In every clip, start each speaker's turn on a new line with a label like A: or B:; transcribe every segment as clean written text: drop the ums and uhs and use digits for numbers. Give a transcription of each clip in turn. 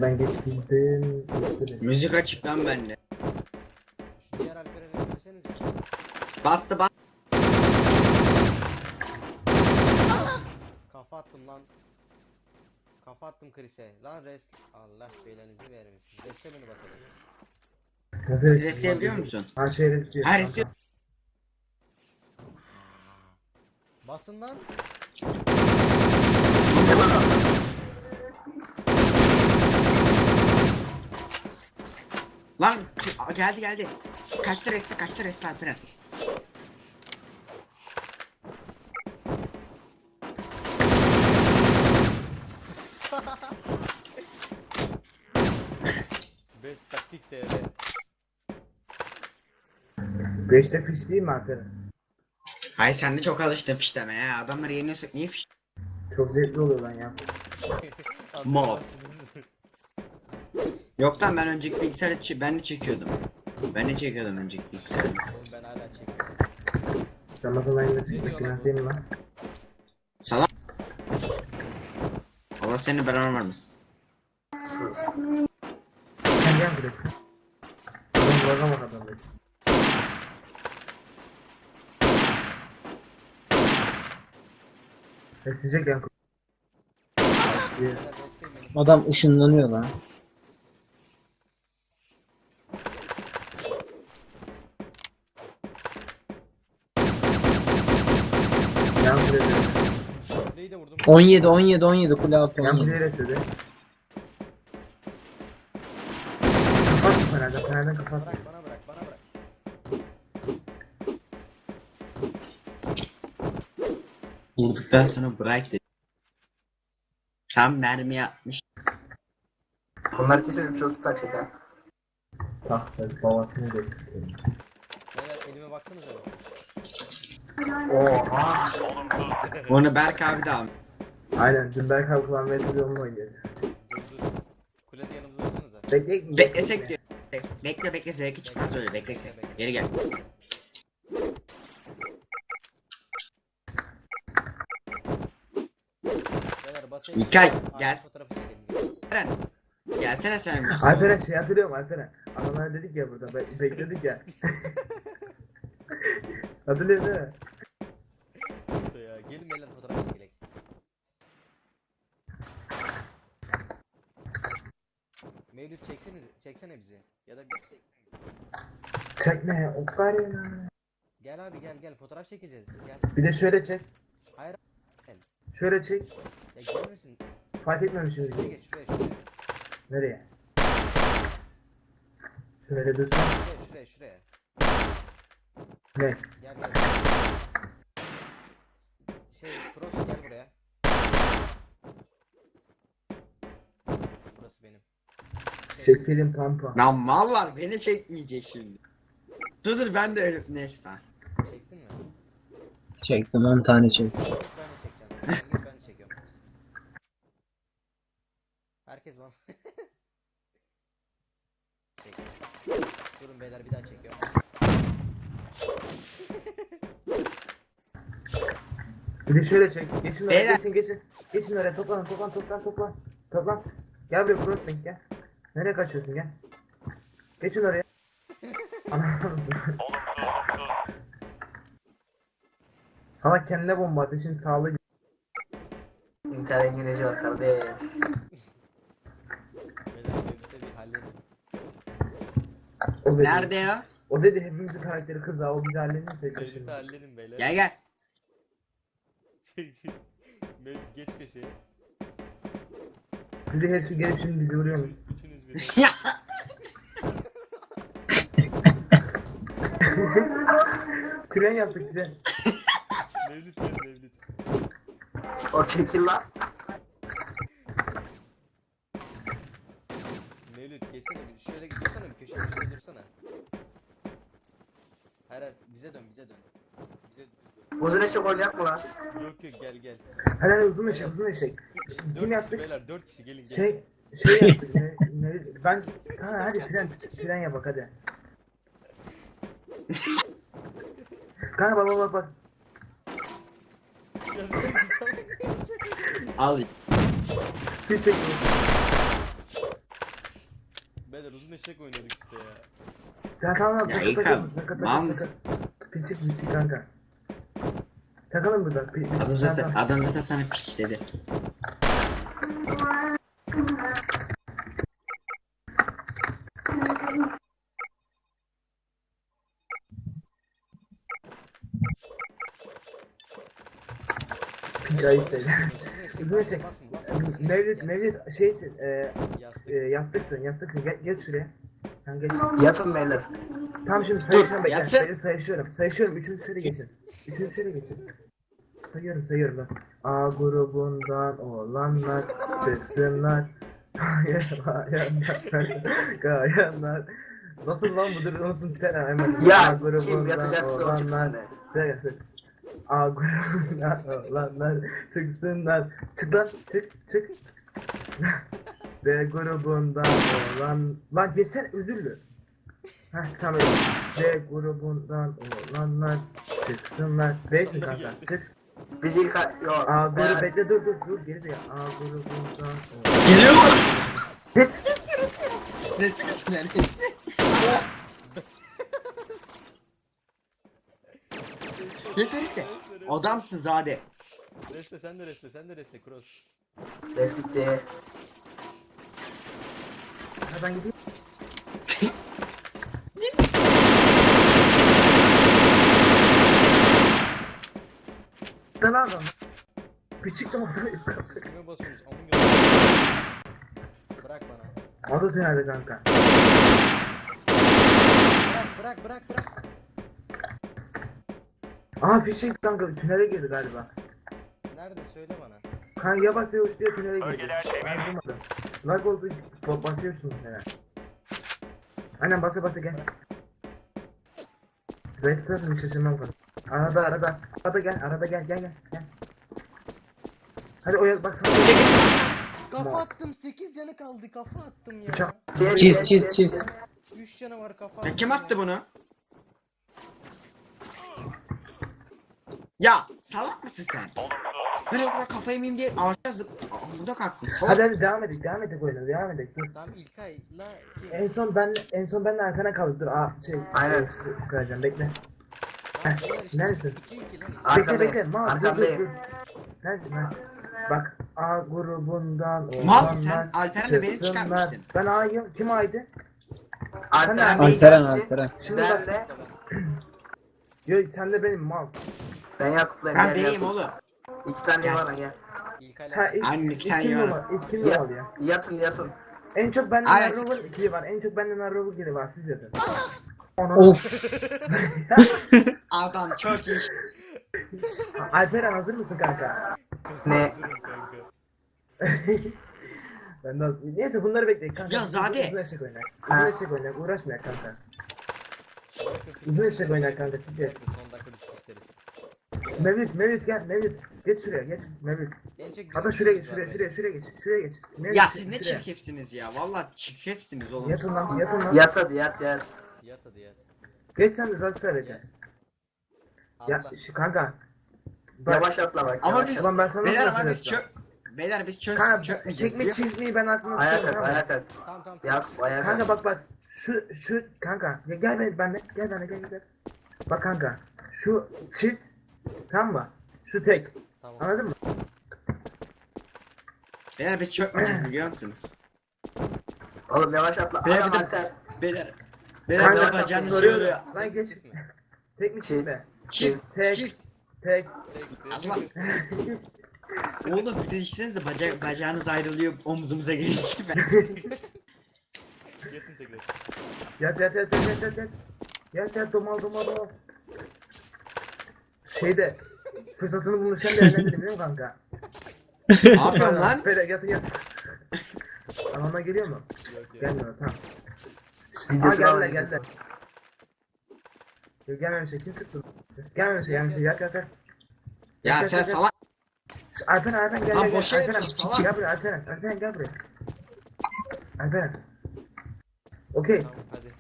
A: ben geçtim.
B: Müzik açık lan bende.
C: Şu diğer Alperen'e söylesenize.
B: Bastı bas.
C: Kafa attım lan. Kafa attım Chris'e. Lan rest. Allah belanızı vermesin. Rest'e beni basalım.
A: Nasıl
B: Siz restleyebiliyor musun?
A: Ha şey restliyor.
B: Her istiyor.
C: Basın lan.
B: Lan geldi. Kaçtı resti Alperen.
C: Best taktik TR.
A: 5'te fiş değil mi Alperen?
B: Hayır sen de çok alıştın fişleme ya. Adamları yeniyorsak niye fiş?
A: Çok zevkli oluyor lan ya.
B: Mal. Yoktan ben önceki bilgisayarı ben de çekiyordum. Ben de çekiyordum önceki bilgisayarı.
C: Oğlum ben hala çekiyorum.
A: Ramazan ayında
C: Ne diyor
A: sıkmak
C: lan
A: günah
C: bu?
A: değil mi lan?
B: Salak. Allah seni belanı vermesin.
A: Sen gel buraya. Adam bırakama adam dedi. Besleyecek yan
C: Beyler rest'e beni.
D: Adam ışınlanıyor lan.
A: yan buraya.
C: Kuleyi de vurdum.
D: 17 kule altı
A: Yan
D: 17.
A: buraya resmedi. Kapat mı Fener'den kapat.
C: Bırak bana bırak bana bırak.
B: Vurduktan sonra bırak dedi. Tam mermi yapmış.
A: Bunlar kesin çok tutar çeker. Taksın babasını destekliyor.
C: Beyler elime baksanıza.
A: Oha.
B: Onu Berk abi de almış.
A: Aynen dün Berk abi kullanmaya çalışıyor onunla oynuyor.
C: Dur. Kulede yanımda dursanıza.
B: Beklesek diyor. Bekle zevki çıkmaz öyle bekle. Geri gel.
C: Beyler basayım.
B: İlkay,
C: Aynı
B: gel.
C: fotoğrafı çekelim.
B: Eren. Gelsene sen.
A: Alperen şey hatırlıyorum Alperen. Adamlar dedik ya burada bekledik ya. Hatırlıyorsun değil mi?
C: Neyse ya. Gelin beyler fotoğraf çekelim. Mevlüt çeksene bizi. Ya da bir çeksene.
A: Çekme Okarina.
C: Gel abi gel fotoğraf çekeceğiz. Gel.
A: Bir de şöyle çek.
C: Hayır.
A: Şöyle çek.
C: Ya gelir misin?
A: Fark etmemişim.
C: Şuraya geç şuraya.
A: Nereye? Şöyle dursan.
C: Şuraya.
A: Ne?
C: Gel. Cross gel buraya. Burası benim.
A: Şekerim pampa.
B: Lan mallar beni çekmeyecek şimdi. Dur ben de öyle neyse tamam.
C: Çektin mi?
D: Çektim 10 tane çektim.
C: Ben de çekeceğim. Ben de çekiyorum. Herkes var. Çek. Durun beyler bir daha çekiyorum.
A: Bir de şöyle çek. Geçin oraya
B: Beyler.
A: geçin. Geçin oraya toplan. Gel buraya crossbank gel. Nereye kaçıyorsun gel. Geçin oraya. Anam. Sana kendine bomba ateşin sağlığı. İntihar İngilizce var kardeş.
C: Beyler Mevlüt'e bir halledin.
A: O dedi.
B: Nerede ya?
A: O dedi hepimizin karakteri kız ha o bizi halledin
C: Mevlüt'e halledin beyler.
B: Gel.
C: Mevlüt geç köşeye.
A: Bir de hepsi gelip şimdi bizi vuruyormuş.
C: Üçünüz bir.
B: Ya.
A: Tren yaptık tren.
C: Mevlüt gel Mevlüt.
A: O çekil lan.
C: Mevlüt geçsene bir şöyle dursana bir köşeye şöyle dursana. Hayır bize dön. Bize dur.
A: Uzun eşek olacak mı lan?
C: Yok gel.
A: Hadi uzun eşek. Kim
C: 4 kişi
A: yaptık?
C: beyler 4 kişi gelin.
A: Şey yaptık. Ben hadi tren yap bak hadi. Kanka bak.
B: Al.
A: Bir çek.
C: beyler uzun eşek oynadık işte ya.
A: Ya tamam
B: Ya
A: takıl
B: İlkan,
A: takıl takıl
B: mal
A: takıl
B: mısın?
A: takıl. Piçik kanka. Takalım burada.
B: Adam zaten sana piç dedi.
A: Piç ayıp değil. Uzun eşek.
C: Basın basın.
A: Mevlüt şeysin.
C: Yastık.
A: Yastıksın. Geç şuraya. Sen geç.
D: Yatın beyler.
A: Tamam şimdi sayışıyorum bekle.
B: yatsın.
A: Sayışıyorum. Üçüncü sıraya geçin. Üçüncü sıraya geçin. Sayıyorum ben. A grubundan olanlar çıksınlar. Kayanlar. Nasıl lan bu dur unutun sen hemen.
D: Ya,
A: A grubundan
D: kim yatacaksa o
A: olanlar.
D: çıksın de.
A: Söyle. A grubundan olanlar çıksınlar. Çık lan çık. B grubundan olan... Lan geçsene üzüldü. Heh tamam öyle. D grubundan olanlar çıksınlar. B'sin kanka çık.
D: Biz ilk yok.
A: A grubu bekle dur geri de A grubundan
B: Geliyor mu? Ne sıkıntı nerede? Ne söylese? Adamsın Zade.
C: Reste sen de reste cross.
D: Res bitti.
A: Ha ben gideyim. Lan adam. Küçük de orada
C: Kime basıyorsunuz? Amın gözü. Bırak bana.
A: Adı nerede kanka?
C: Bırak.
A: Aha fişek kanka tünele girdi galiba.
C: Nerede söyle bana.
A: Kanka ya basıyor diye tünele girdi. Ben durmadım. Lag oldu basıyorsun tünele. Aynen basa gel. Zayıfladın şaşırmam falan. Arada gel. Hadi oya bak sana.
C: Kafa attım 8 canı kaldı kafa attım ya.
A: Bıçak.
D: Çiz.
C: 3 canı var kafa
B: Ya
C: attım.
B: kim attı bunu? Ya salak mısın sen? Ben o kadar kafayı yemeyeyim diye ağaçta burada kalktım. Salak.
A: Hadi devam edelim oyuna devam edelim. Dur.
C: Tamam İlkay'la kim?
A: En son benle arkana kaldık. Dur
D: Aynen.
A: Söyleyeceğim bekle.
C: Lan beyler işte
A: Neredesin?
C: 2-2 lan.
D: Arkadayım.
A: Bekle. Mal dur.
D: Arkadayım.
A: Neredesin lan? Bak A grubundan
B: Mal
A: olanlar
B: sen Alperen'le beni
A: çıksınlar.
B: çıkarmıştın.
A: Ben A'yım. Kim A'ydı?
D: Alperen
A: Alperen.
D: Bey.
A: Şimdi
D: Ben
A: bak.
D: de.
A: Yo sen de benim mal.
D: Ben Yakup'layım.
B: Ben
D: gel
B: beyim
D: Yakup.
B: oğlum.
D: 2 tane bana gel.
C: İlkay'la
A: Ha
B: Anne,
A: ilk
B: bir tane
A: kim
B: var.
A: numara? İlk kim numaralı ya?
D: Yatın.
A: En çok benden
B: Aynen.
A: Narrover ikili var. En çok benden Narrover ikili var. Siz yapın.
D: Of.
B: Adam çok iyi.
A: Alperen hazır mısın kanka?
D: Ne?
C: kanka.
A: Ben de neyse bunları bekleyin kanka.
B: Ya Zade.
A: Uzun eşek oynar.
D: Ha.
A: Uzun eşek oynar. Uğraşma kanka. Uzun eşek oynar kanka. Siz de.
C: Son dakika biz isteriz.
A: Mevlüt gel. Mevlüt. Geç şuraya geç. Mevlüt.
C: En çok
A: Hatta
C: bizim
A: şuraya geç.
C: işimiz var
A: Şuraya geç. Şuraya geç. Mevlüt,
B: Ya siz ne
A: şuraya.
B: çirkefsiniz ya. Vallahi çirkefsiniz oğlum.
A: Yatın lan.
D: Yat hadi yat.
C: beyler. Yat hadi yat.
A: Geç sen de zaten sıra bekle. Ya
C: Allah.
A: kanka. Bak.
D: Yavaş atla bak.
B: Ama
D: yavaş
B: biz
D: at.
A: Ulan ben sana
B: beyler
A: nasıl
B: ama biz
A: söyleyeceğim?
B: Beyler biz
A: Kanka
B: çökmeyeceğiz
A: çekme
B: biliyor musun?
A: çizmeyi ben aklımda
D: Ayağa
A: tutuyorum,
D: kalk.
A: tamam mı?
D: Ayağa kalk.
C: Tamam.
D: Yakup ayağa
A: Kanka
D: kalk.
A: bak şu kanka ya gel benimle gel. Bak kanka şu çift tamam mı? Şu tek
C: Tamam.
A: anladın mı?
B: Beyler biz çökmeyeceğiz biliyor musunuz?
D: Oğlum yavaş atla.
B: Beyler
D: Adam
B: bir de
D: Alper.
B: beyler. Beyler
A: Kanka
B: bir de
D: bak,
B: bacağını
A: soruyorum.
B: söylüyor.
A: Lan geç. Tek mi çift mi?
B: Çift.
A: Tek.
B: Çift.
A: Tek.
B: Allah. Oğlum bir de düşünsenize bacağınız ayrılıyor omzumuza gelince ben.
C: Yatın tekrar.
A: Yat domal. Şeyde fırsatını bulmuşken değerlendirin değil mi kanka?
B: Ne yapıyorsun lan?
A: Böyle yat. Anama geliyor mu?
C: Yok.
A: Gelmiyor tamam.
D: Videosunu al,
A: Geldiler.
D: videosunu.
A: Yok gelmemiş kim sıktı? Gelmemiş yat.
B: Ya sen salak.
A: Alperen gel
B: Lan
A: gel.
B: boşa
A: Alperen
B: yapıyorsun, salak.
A: gel buraya Alperen gel buraya. Alperen. Okey.
C: Tamam hadi.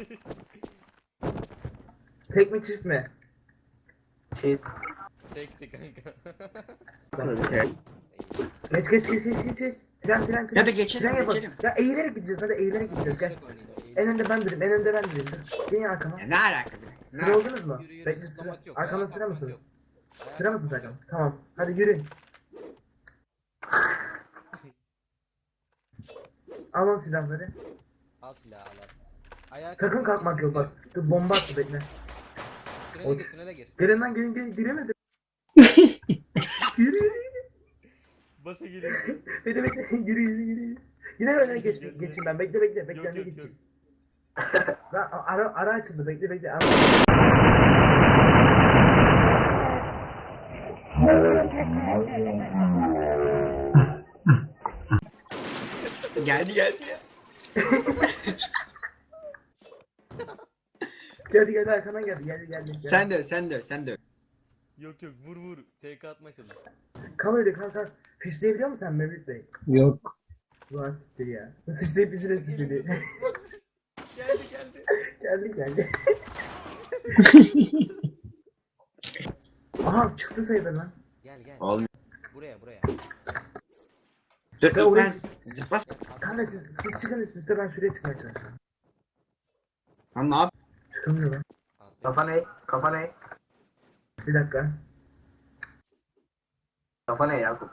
A: Tek mi çift mi?
D: Çift.
C: Tekti kanka.
A: Geç. Tren.
B: Ya da geçelim,
A: Tren yapalım.
B: geçelim.
A: Ya eğilerek gideceğiz, hadi eğilerek gideceğiz, gel. En önde ben durayım, en önde ben durayım. Dur. Gelin arkama.
B: Ya ne alaka be? Ne
A: Sıra
B: alaka?
A: oldunuz mu?
C: Yürü
A: Bekle sıra.
C: zıplamak yok.
A: Arkamda
C: ayağa
A: sıra
C: kalkmak
A: mısınız?
C: yok. Ayağa
A: Sıra mısınız
C: kalkmak
A: arkama? Tamam. Hadi yürüyün. Alın silahları.
C: yok. Al silahı al. Ayağa
A: Sakın kalkmak yok bak. Dur bomba attı bekle.
C: Tünele gir.
A: Gelin lan gelin giremedim. Yürü.
C: Basa gelin.
A: Bekle yürü. Yine öne geçeyim ben. Bekle önüne geçeyim. Lan ara açıldı bekle.
B: Geldi ya.
A: Geldi arkadan geldi.
B: Sen de.
C: Yok vur. TK atmaya çalış.
A: Kal öyle kal. Fişleyebiliyor musun sen Mevlüt Bey?
D: Yok.
A: Ulan siktir ya. Fişleyip bizi rezil ediyor.
C: Geldi.
A: Aha çıktı sayıda lan.
C: Gel.
B: Olmuyor.
C: Buraya.
B: Dur
A: Ya orayı-
B: ben zıplas.
A: Kanka siz çıkın üstüne ben şuraya çıkmaya çalışıyorum.
B: Lan ne yap?
A: Çıkamıyor lan.
D: Kafa ne?
A: Bir dakika.
D: Kafa ne Yakup?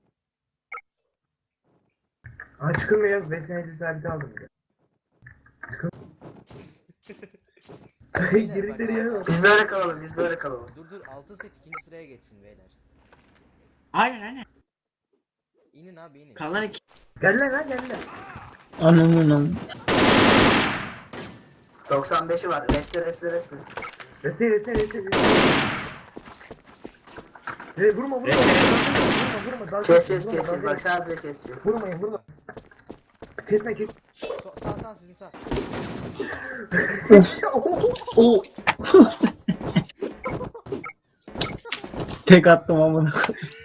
A: Aa çıkılmıyor. Besleneci sabiti aldım bir de. Girdikleri yere bak.
D: Biz böyle kalalım.
C: Dur 6 set ikinci sıraya geçsin beyler.
B: Aynen.
C: İnin abi inin.
B: Kalan iki.
A: Gel lan.
D: Ananın. 95'i var. Reste.
A: Reste. Vurma. Dalga
D: Kes.
A: dalga
D: Bak sadece keseceğiz.
A: Vurma. Kesme.
C: Sağ sizin sağ.
D: Tek attım amına.